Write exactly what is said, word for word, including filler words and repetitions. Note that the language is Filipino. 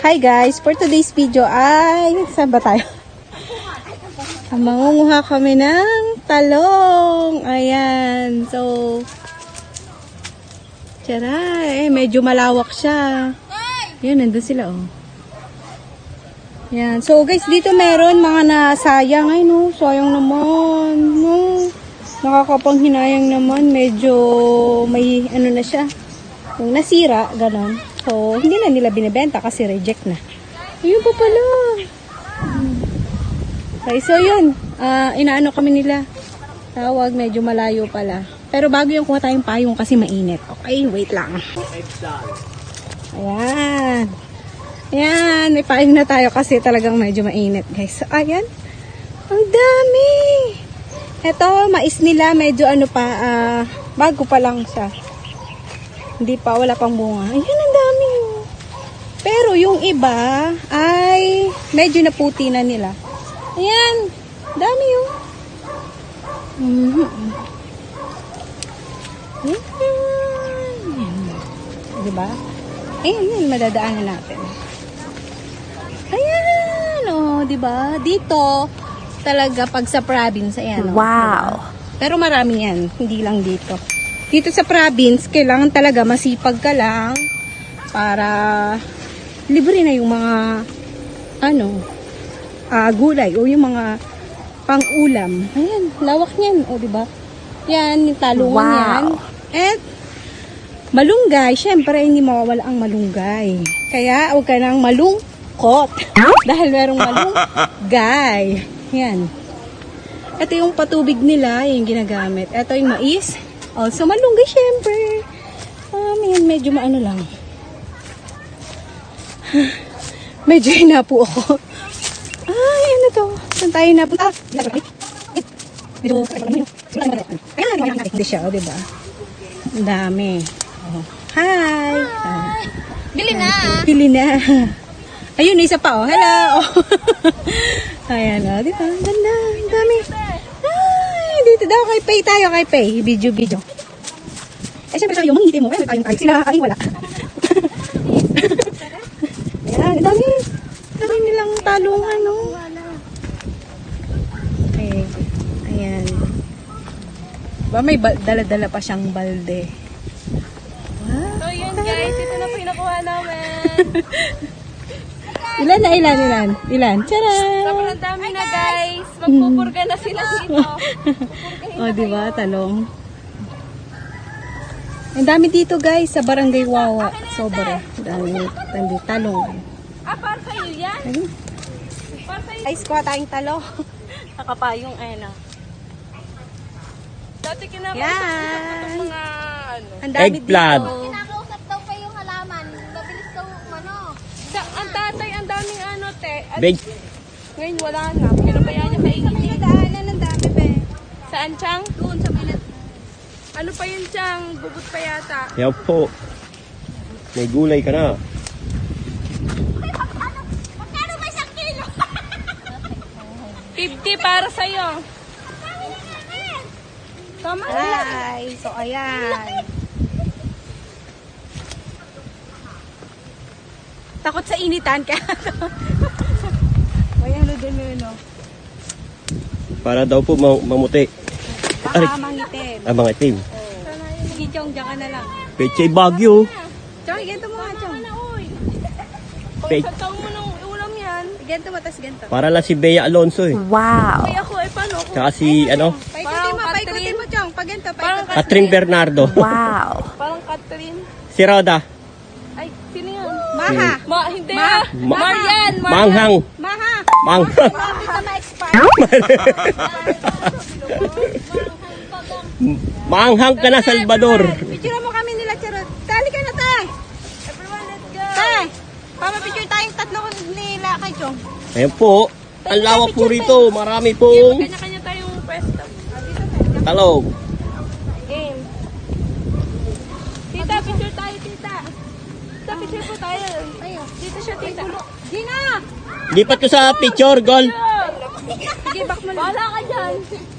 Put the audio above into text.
Hi guys, for today's video ay, saan ba tayo? Mangunguha kami ng talong. Ayan, so, tara, eh, medyo malawak siya. Yan, nandun sila oh. Yan, so guys, dito meron mga nasayang. Ay no, sayang naman. No, nakakapanghinayang naman. Medyo may ano na siya. Yung nasira, ganon. So, hindi na nila binibenta kasi reject na. Ayun pa pala. Okay, so yun. Uh, inaano kami nila. Tawag, medyo malayo pala. Pero bago yung kuha tayong payong kasi mainit. Okay, wait lang. Ayan. Ayan, may payong na tayo kasi talagang medyo mainit, guys. So, ayan. Ang dami. Ito, mais nila, medyo ano pa, uh, bago pa lang siya. Hindi pa, wala pang bunga. Ayan, ang dami. Pero yung iba ay medyo naputi na nila. Ayan, dami yun. Mm-hmm. Ayan. Diba? Ayan, yun, madadaanan natin. Ayan, oh, diba? Dito, talaga pag sa province, ayan. Wow. Diba? Pero marami yan, hindi lang dito. Dito sa province, kailangan talaga masipag ka lang para libre na yung mga ano, uh, gulay o yung mga pang-ulam. Ayan, lawak niyan, o diba? Yan, yung talungan wow. yan. At malunggay, syempre hindi mawawala ang malunggay. Kaya huwag ka nang malungkot dahil merong malunggay. Yan. Ito yung patubig nila, yung ginagamit. Ito yung mais. Also, malunggay, syempre. Um, yan, medyo maano lang. Medyo hinapo ako. Ay, ano to? Saan tayo napunta? Hindi siya, o, diba? Ang dami. Oh. Hi! Ah. Bili na! Bili na. Ayun, isa pa, oh. Hello! Ayan, o, diba? Ang ganda. Ang dami. Ay, dito daw kay Pay tayo, kay Pay. Video, video. Eh, syempre sabi yung manghihiti mo. Eh, tayong tayo. Sila, ay, wala. Ayan, ang dami. Ang dami nilang talungan, no? Okay. Ayan. Ba, may dala-dala pa siyang balde. Wow. So yun guys, ito na po yung nakuha namin. Ilan na ilan, ilan? Ilan? Charan! Sobrang dami na guys. Magpupurga na sila dito. O, oh, diba? Talong. Ang dami dito guys sa Barangay Wawa. Sobra. Dami. Dami talong. Ah, para sa'yo yan? Ayun. Para sa'yo. Guys, kuha tayong talong. Nakapayong, ayun o. Dati kinakausap Yan. ko mga ano. Ang dami Eggplant. dito. Kinakausap daw pa yung halaman. Mabilis daw ano. Sa, ang tatay, ang daming ano te. At Big. ngayon wala na. Pinabayaan niya kainin. Pinagdaanan ng dami, be. Saan, Chang? Doon sa pinag... Ano pa yun, Chang? Bugot pa yata. Yaw po. May gulay ka na. Magkano ba isang kilo? fifty para sa'yo. Tama na. Hi! So, ayan. Takot sa initan ka. Ayan, ano din yun, no? Para daw po ma mamuti. Baka mangitin. Ah, mga itim. Sige, Chong, diyan ka na lang. Pechay Bagyo. Chong, ganito mo nga, Chong. Ano, uy? O, Pe- sa taong mo nung ulam yan. Ganito mo, tas ganito. Para lang si Bea Alonso eh. Ay, ako, eh, paano ako? Tsaka si, ano, Paikutin Parang mo, paikutin Catherine. mo, Chong. Pag ganito, Parang paikutin. Catherine Bernardo. Parang Catherine. Si Roda. Ay, sino yun? Maha. Ma, hindi Ma- ah. Ma- Marian, Marian. Manghang. Maha. Manghang. Hindi ka ma-expire. Manghang ka na, Salvador. Picture mo kami nila, Charot. Tali ka na, tay. Everyone, let's go. Tay. Pamapicture tayong tatlo nila kay Chong. Ayan po. Ang lawak po rito. Marami pong Kanya-kanya tayong pwesto. talong. Game. Tita, picture tayo, tita. Tita, picture po tayo. Dito siya, tita. Gina! Lipat ko sa picture, gol. Sige, back mo lang. Wala ka dyan.